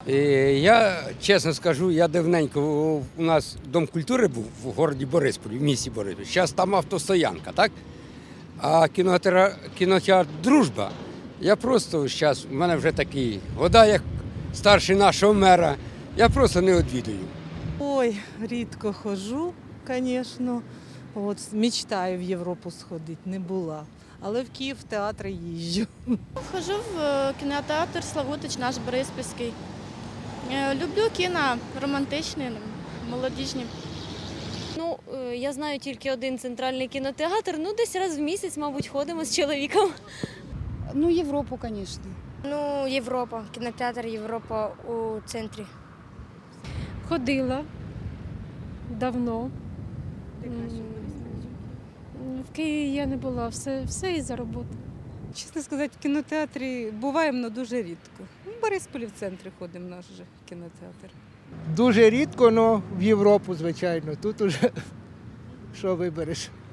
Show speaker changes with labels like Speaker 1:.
Speaker 1: Я чесно скажу, я давненько у нас Дом культури був в місті Борисполі, в місті Борисполі. Зараз там автостоянка, так? А кінотеатр Дружба. Я просто зараз, у мене вже такі года, як старший нашого мера, я просто не відвідую.
Speaker 2: Ой, рідко ходжу, звісно. От, мечтаю в Європу сходити, не була. Але в Київ в театри їжджу.
Speaker 3: Хожу в кінотеатр Славутич, наш Бориспільський. Люблю кіно романтичні, молодіжні.
Speaker 4: Я знаю тільки один центральний кінотеатр, десь раз в місяць, мабуть, ходимо з чоловіком.
Speaker 5: Європу, звісно.
Speaker 6: Європа, кінотеатр Європа у центрі.
Speaker 7: Ходила давно. В Києві я не була, все із-за роботи.
Speaker 2: Чесно сказати, в кінотеатрі буваємо, але дуже рідко. В Борисполі в центрі ходимо, наш же кінотеатр.
Speaker 8: Дуже рідко, але в Європу, звичайно. Тут уже що вибереш.